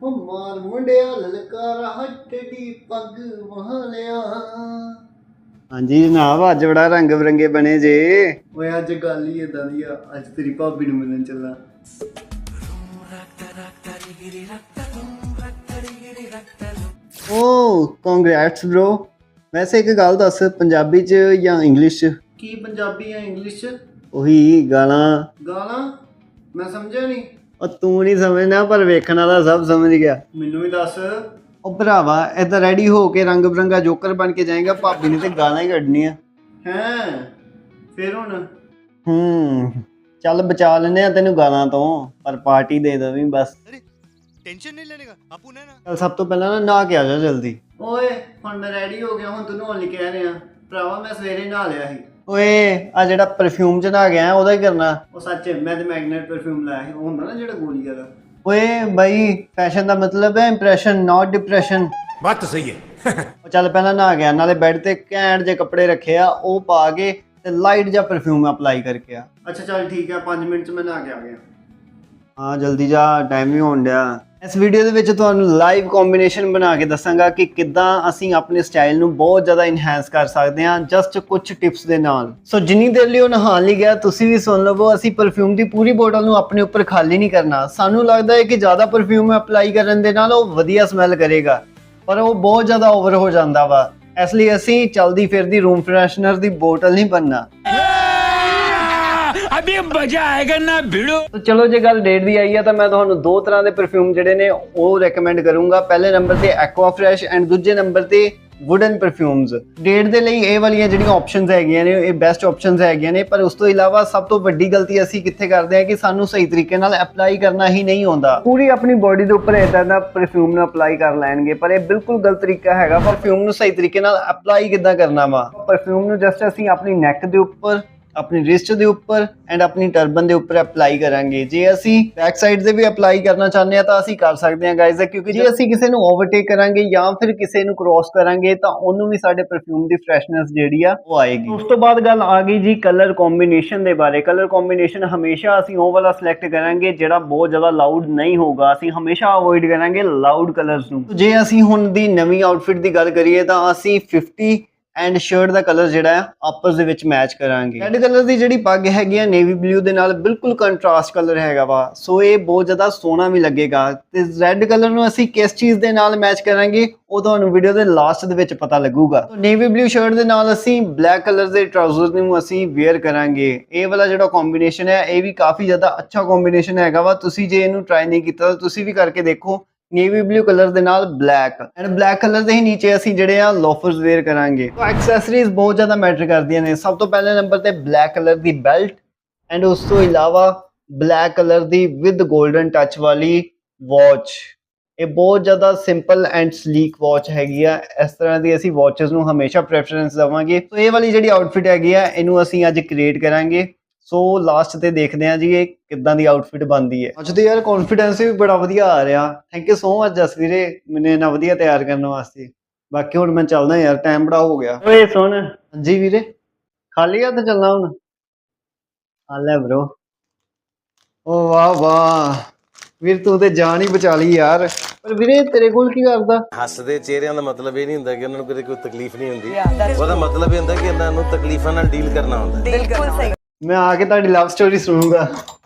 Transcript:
ਉਹ ਮਾਰ ਮੁੰਡਿਆ ਲਲਕਾਰਾ ਹੱਟੜੀ ਪੱਗ ਮਹਲਿਆ। ਹਾਂਜੀ ਜਨਾਬ, ਅੱਜ ਬੜਾ ਰੰਗ ਬਰੰਗੇ ਬਣੇ ਜੇ। ਓਏ ਅੱਜ ਗੱਲ ਹੀ ਇਦਾਂ ਦੀ ਆ, ਅੱਜ ਤੇਰੀ ਭਾਬੀ ਨੂੰ ਮਿਲਣ ਚੱਲਾਂ। ਓ ਕੰਗ੍ਰੈਟਸ ਬ్రో। ਵੈਸੇ ਇੱਕ ਗੱਲ ਦੱਸ, ਪੰਜਾਬੀ ਚ ਜਾਂ ਇੰਗਲਿਸ਼ ਚ? ਕੀ ਪੰਜਾਬੀ ਜਾਂ ਇੰਗਲਿਸ਼ ਚ? ਉਹੀ ਗਾਲਾਂ। ਗਾਲਾਂ ਮੈਂ ਸਮਝਿਆ ਨਹੀਂ। ਉਹ ਤੂੰ ਨਹੀਂ ਸਮਝਣਾ, ਪਰ ਵੇਖਣ ਵਾਲਾ ਸਭ ਸਮਝ ਗਿਆ। ਮੈਨੂੰ ਵੀ ਦੱਸ। ਉਹ ਭਰਾਵਾ ਏਦਾਂ ਰੈਡੀ ਹੋ ਕੇ ਰੰਗ ਬਰੰਗਾ ਜੋਕਰ ਬਣ ਕੇ ਜਾਏਗਾ, ਭਾਬੀ ਨੇ ਤੇ ਗਾਲਾਂ ਹੀ ਕੱਢਣੀਆਂ। ਹੈਂ ਫਿਰ ਹੁਣ? ਚੱਲ ਬਚਾ ਲੈਨੇ ਆ ਤੈਨੂੰ ਗਾਲਾਂ ਤੋਂ, ਪਰ ਪਾਰਟੀ ਦੇ ਦਵੀਂ ਬਸ। टेंशन नहीं लेने का आपू ने ना। ਚੱਲ ਸਭ ਤੋਂ ਪਹਿਲਾਂ ਨਾ ਨਹਾ ਕੇ ਆ ਜਾ ਜਲਦੀ। ਓਏ ਹੁਣ ਮੈਂ ਰੈਡੀ ਹੋ ਗਿਆ, ਹੁਣ ਤੂੰ ਨਹਾਉਣ ਲਈ ਕਹਿ ਰਿਹਾ। ਭਰਾਵਾ ਮੈਂ ਸਵੇਰੇ ਨਹਾ ਲਿਆ ਸੀ। ਓਏ ਆ ਜਿਹੜਾ ਪਰਫਿਊਮ ਚ ਨਹਾ ਗਿਆ ਉਹਦਾ ਹੀ ਕਰਨਾ। ਉਹ ਸੱਚ ਮੈਂ ਤੇ ਮੈਗਨੇਟ ਪਰਫਿਊਮ ਲਾਇਆ ਸੀ, ਉਹ ਹੁੰਦਾ ਨਾ ਜਿਹੜਾ ਗੋਲੀ ਵਾਲਾ। ਓਏ ਬਾਈ ਫੈਸ਼ਨ ਦਾ ਮਤਲਬ ਹੈ ਇੰਪ੍ਰੈਸ਼ਨ, ਨਾਟ ਡਿਪਰੈਸ਼ਨ। बात तो सही है। ਉਹ ਚੱਲ ਪਹਿਲਾਂ ਨਹਾ ਗਿਆ, ਨਾਲੇ ਬੈੱਡ ਤੇ ਘੈਂਟ ਜੇ ਕੱਪੜੇ ਰੱਖੇ ਆ, ਉਹ ਪਾ ਕੇ ਤੇ ਲਾਈਟ ਜਿਹਾ ਪਰਫਿਊਮ ਅਪਲਾਈ ਕਰਕੇ ਆ। ਅੱਛਾ ਚੱਲ ਠੀਕ ਹੈ, 5 ਮਿੰਟ ਚ ਮੈਂ ਨਹਾ ਕੇ ਆ ਗਿਆ। ਹਾਂ ਜਲਦੀ ਜਾ, ਟਾਈਮ ਵੀ ਹੋਣ ਡਿਆ। ਇਸ ਵੀਡੀਓ ਦੇ ਵਿੱਚ ਤੁਹਾਨੂੰ ਲਾਈਵ ਕੰਬੀਨੇਸ਼ਨ ਬਣਾ ਕੇ ਦੱਸਾਂਗਾ ਕਿ ਕਿੱਦਾਂ ਅਸੀਂ ਆਪਣੇ ਸਟਾਈਲ ਨੂੰ ਬਹੁਤ ਜ਼ਿਆਦਾ ਇਨਹੈਂਸ ਕਰ ਸਕਦੇ ਹਾਂ ਜਸਟ ਕੁਝ ਟਿਪਸ ਦੇ ਨਾਲ। ਸੋ ਜਿੰਨੀ ਦੇਰ ਲਈ ਉਹ ਨਹਾਉਣ ਲਈ ਗਿਆ, ਤੁਸੀਂ ਵੀ ਸੁਣ ਲਵੋ। ਅਸੀਂ ਪਰਫਿਊਮ ਦੀ ਪੂਰੀ ਬੋਤਲ ਨੂੰ ਆਪਣੇ ਉੱਪਰ ਖਾਲੀ ਨਹੀਂ ਕਰਨਾ। ਸਾਨੂੰ ਲੱਗਦਾ ਹੈ ਕਿ ਜ਼ਿਆਦਾ ਪਰਫਿਊਮ ਅਪਲਾਈ ਕਰਨ ਦੇ ਨਾਲ ਉਹ ਵਧੀਆ ਸਮੈਲ ਕਰੇਗਾ, ਪਰ ਉਹ ਬਹੁਤ ਜ਼ਿਆਦਾ ਓਵਰ ਹੋ ਜਾਂਦਾ ਵਾ। ਇਸ ਲਈ ਅਸੀਂ ਚਲਦੀ ਫਿਰਦੀ ਰੂਮ ਫਰੈਸ਼ਨਰ ਦੀ ਬੋਤਲ ਨਹੀਂ ਬਣਨਾ। अभी मजा आएगा ना भिड़ो। तो चलो जे गल डेट दी आई है तो मैं ਤੁਹਾਨੂੰ ਦੋ ਤਰ੍ਹਾਂ ਦੇ ਪਰਫਿਊਮ ਜਿਹੜੇ ਨੇ ਉਹ ਰეკਮੈਂਡ ਕਰੂੰਗਾ। ਪਹਿਲੇ ਨੰਬਰ ਤੇ ਐਕਵਾ ਫਰੈਸ਼ ਐਂਡ ਦੂਜੇ ਨੰਬਰ ਤੇ ਵੁਡਨ ਪਰਫਿਊਮਸ। ਡੇਟ ਦੇ ਲਈ ਇਹ ਵਾਲੀਆਂ ਜਿਹੜੀਆਂ ਆਪਸ਼ਨਸ ਹੈਗੀਆਂ ਨੇ ਇਹ ਬੈਸਟ ਆਪਸ਼ਨਸ ਹੈਗੀਆਂ ਨੇ, ਪਰ ਉਸ ਤੋਂ ਇਲਾਵਾ ਸਭ ਤੋਂ ਵੱਡੀ ਗਲਤੀ ਅਸੀਂ ਕਿੱਥੇ ਕਰਦੇ ਹਾਂ ਕਿ ਸਾਨੂੰ ਸਹੀ ਤਰੀਕੇ ਨਾਲ ਅਪਲਾਈ ਕਰਨਾ ਹੀ ਨਹੀਂ ਆਉਂਦਾ। ਪੂਰੀ ਆਪਣੀ ਬੋਡੀ ਦੇ ਉੱਪਰ ਇਦਾਂ ਦਾ ਪਰਫਿਊਮ ਨੂੰ ਅਪਲਾਈ ਕਰ ਲੈਣਗੇ, ਪਰ ਇਹ ਬਿਲਕੁਲ ਗਲਤ ਤਰੀਕਾ ਹੈਗਾ। ਪਰਫਿਊਮ ਨੂੰ ਸਹੀ ਤਰੀਕੇ ਨਾਲ ਅਪਲਾਈ ਕਿੱਦਾਂ ਕਰਨਾ ਵਾ? ਪਰਫਿਊਮ ਨੂੰ ਜਸਟ ਅਸੀਂ ਆਪਣੀ ਨੈਕ ਦੇ ਉੱਪਰ, ਆਪਣੀ ਰਿਸਟ ਦੇ ਉੱਪਰ ਐਂਡ ਆਪਣੀ ਟਰਬਨ ਦੇ ਉੱਪਰ ਅਪਲਾਈ ਕਰਾਂਗੇ। ਜੇ ਅਸੀਂ ਬੈਕ ਸਾਈਡ ਤੇ ਵੀ ਅਪਲਾਈ ਕਰਨਾ ਚਾਹੁੰਦੇ ਆ ਤਾਂ ਅਸੀਂ ਕਰ ਸਕਦੇ ਹਾਂ ਗਾਇਜ਼, ਕਿਉਂਕਿ ਜੇ ਅਸੀਂ ਕਿਸੇ ਨੂੰ ਓਵਰਟੇਕ ਕਰਾਂਗੇ ਜਾਂ ਫਿਰ ਕਿਸੇ ਨੂੰ ਕ੍ਰੋਸ ਕਰਾਂਗੇ ਤਾਂ ਉਹਨੂੰ ਵੀ ਸਾਡੇ ਪਰਫਿਊਮ ਦੀ ਫਰੈਸ਼ਨੈਸ ਜਿਹੜੀ ਆ ਉਹ ਆਏਗੀ। ਉਸ ਤੋਂ ਬਾਅਦ ਗੱਲ ਆ ਗਈ ਜੀ ਕਲਰ ਕੰਬੀਨੇਸ਼ਨ ਦੇ ਬਾਰੇ। ਕਲਰ ਕੰਬੀਨੇਸ਼ਨ ਹਮੇਸ਼ਾ ਅਸੀਂ ਉਹ ਵਾਲਾ ਸਿਲੈਕਟ ਕਰਾਂਗੇ ਜਿਹੜਾ ਬਹੁਤ ਜ਼ਿਆਦਾ ਲਾਊਡ ਨਹੀਂ ਹੋਊਗਾ। ਅਸੀਂ ਹਮੇਸ਼ਾ ਅਵੋਇਡ ਕਰਾਂਗੇ ਲਾਊਡ ਕਲਰਸ ਨੂੰ। ਜੇ ਅਸੀਂ ਹੁਣ ਦੀ ਨਵੀਂ ਆਊਟਫਿਟ ਦੀ ਗੱਲ ਕਰੀਏ ਤਾਂ ਅਸੀਂ 50 ਐਂਡ ਸ਼ਰਟ ਦਾ ਕਲਰ ਜਿਹੜਾ ਹੈ ਆਪਸ ਦੇ ਵਿੱਚ ਮੈਚ ਕਰਾਂਗੇ। ਰੈੱਡ ਕਲਰ ਦੀ ਜਿਹੜੀ ਪੱਗ ਹੈਗੀ ਆ ਨੇਵੀ ਬਲੂ ਦੇ ਨਾਲ ਬਿਲਕੁਲ ਕੰਟਰਾਸਟ ਕਲਰ ਹੈਗਾ ਵਾ, ਸੋ ਇਹ ਬਹੁਤ ਜ਼ਿਆਦਾ ਸੋਹਣਾ ਵੀ ਲੱਗੇਗਾ। ਤੇ ਰੈੱਡ ਕਲਰ ਨੂੰ ਅਸੀਂ ਕਿਸ ਚੀਜ਼ ਦੇ ਨਾਲ ਮੈਚ ਕਰਾਂਗੇ ਉਹ ਤੁਹਾਨੂੰ ਵੀਡੀਓ ਦੇ ਲਾਸਟ ਦੇ ਵਿੱਚ ਪਤਾ ਲੱਗੂਗਾ। ਨੇਵੀ ਬਲੂ ਸ਼ਰਟ ਦੇ ਨਾਲ ਅਸੀਂ ਬਲੈਕ ਕਲਰ ਦੇ ਟਰਾਊਜ਼ਰ ਨੂੰ ਅਸੀਂ ਵੇਅਰ ਕਰਾਂਗੇ। ਇਹ ਵਾਲਾ ਜਿਹੜਾ ਕੰਬੀਨੇਸ਼ਨ ਹੈ ਇਹ ਵੀ ਕਾਫੀ ਜ਼ਿਆਦਾ ਅੱਛਾ ਕੰਬੀਨੇਸ਼ਨ ਹੈਗਾ ਵਾ। ਤੁਸੀਂ ਜੇ ਇਹਨੂੰ ਟਰਾਈ ਨਹੀਂ ਕੀਤਾ ਤਾਂ ਤੁਸੀਂ ਵੀ ਕਰਕੇ ਦੇਖੋ। ਨੇਵੀ ਬਲੂ ਕਲਰ ਦੇ ਨਾਲ ਬਲੈਕ ਐਂਡ ਬਲੈਕ ਕਲਰ ਦੇ ਹੀ ਨੀਚੇ ਅਸੀਂ ਜਿਹੜੇ ਆ ਲੋਫਰਸ ਵੇਅਰ ਕਰਾਂਗੇ। ਤਾਂ ਐਕਸੈਸਰੀਜ਼ ਬਹੁਤ ਜ਼ਿਆਦਾ ਮੈਟਰ ਕਰਦੀਆਂ ਨੇ। ਸਭ ਤੋਂ ਪਹਿਲੇ ਨੰਬਰ ਤੇ ਬਲੈਕ ਕਲਰ ਦੀ ਬੈਲਟ ਐਂਡ ਉਸ ਤੋਂ ਇਲਾਵਾ ਬਲੈਕ ਕਲਰ ਦੀ ਵਿਦ 골ਡਨ ਟੱਚ ਵਾਲੀ ਵਾਚ। ਇਹ ਬਹੁਤ ਜ਼ਿਆਦਾ ਸਿੰਪਲ ਐਂਡ ਸਲੀਕ ਵਾਚ ਹੈਗੀ ਆ। ਇਸ ਤਰ੍ਹਾਂ ਦੀ ਅਸੀਂ ਵਾਚਸ ਨੂੰ ਹਮੇਸ਼ਾ ਪ੍ਰੈਫਰੈਂਸ ਦੇਵਾਂਗੇ। ਸੋ ਇਹ ਵਾਲੀ ਜਿਹੜੀ ਆਊਟਫਿਟ ਹੈਗੀ ਆ ਇਹਨੂੰ ਅਸੀਂ ਅੱਜ ਕ੍ਰੀਏਟ ਕਰਾਂਗੇ। ਸੋ ਲਾਸਟ ਤੇ ਦੇਖਦੇ ਹਾਂ ਜੀ ਇਹ ਕਿੱਦਾਂ ਦੀ ਆਊਟਫਿਟ ਬਣਦੀ ਹੈ। ਅੱਜ ਤੇ ਯਾਰ ਕੌਨਫੀਡੈਂਸ ਵੀ ਬੜਾ ਵਧੀਆ ਆ ਰਿਹਾ। Thank you so much Jas ਵੀਰੇ ਮੈਨੂੰ ਇੰਨਾ ਵਧੀਆ ਤਿਆਰ ਕਰਨ ਵਾਸਤੇ। ਬਾਕੀ ਹੁਣ ਮੈਂ ਚੱਲਦਾ ਯਾਰ, ਟਾਈਮ ਬੜਾ ਹੋ ਗਿਆ। ਓਏ ਸੁਣ। ਹਾਂਜੀ ਵੀਰੇ, ਖਾਲੀ ਹੱਥ ਚੱਲਣਾ ਹੁਣ? ਆ ਲੈ ਬ్రో। ਓ ਵਾਹ ਵਾਹ ਵੀਰ, ਤੂੰ ਤੇ ਜਾਨ ਹੀ ਬਚਾ ਲਈ ਯਾਰ। ਪਰ ਵੀਰੇ ਤੇਰੇ ਕੋਲ ਕੀ ਕਰਦਾ? ਹੱਸਦੇ ਚਿਹਰਿਆਂ ਦਾ ਮਤਲਬ ਇਹ ਨਹੀਂ ਹੁੰਦਾ ਕਿ ਉਹਨਾਂ ਨੂੰ ਕਦੇ ਕੋਈ ਤਕਲੀਫ ਨਹੀਂ ਹੁੰਦੀ। ਉਹਦਾ ਮਤਲਬ ਇਹ ਹੁੰਦਾ ਕਿ ਇਹਨਾਂ ਨੂੰ ਤਕਲੀਫਾਂ ਨਾਲ ਡੀਲ ਕਰਨਾ ਹੁੰਦਾ। ਬਿਲਕੁਲ ਸਹੀ। ਮੈਂ ਆ ਕੇ ਤੁਹਾਡੀ ਲਵ ਸਟੋਰੀ ਸੁਣੂਗਾ।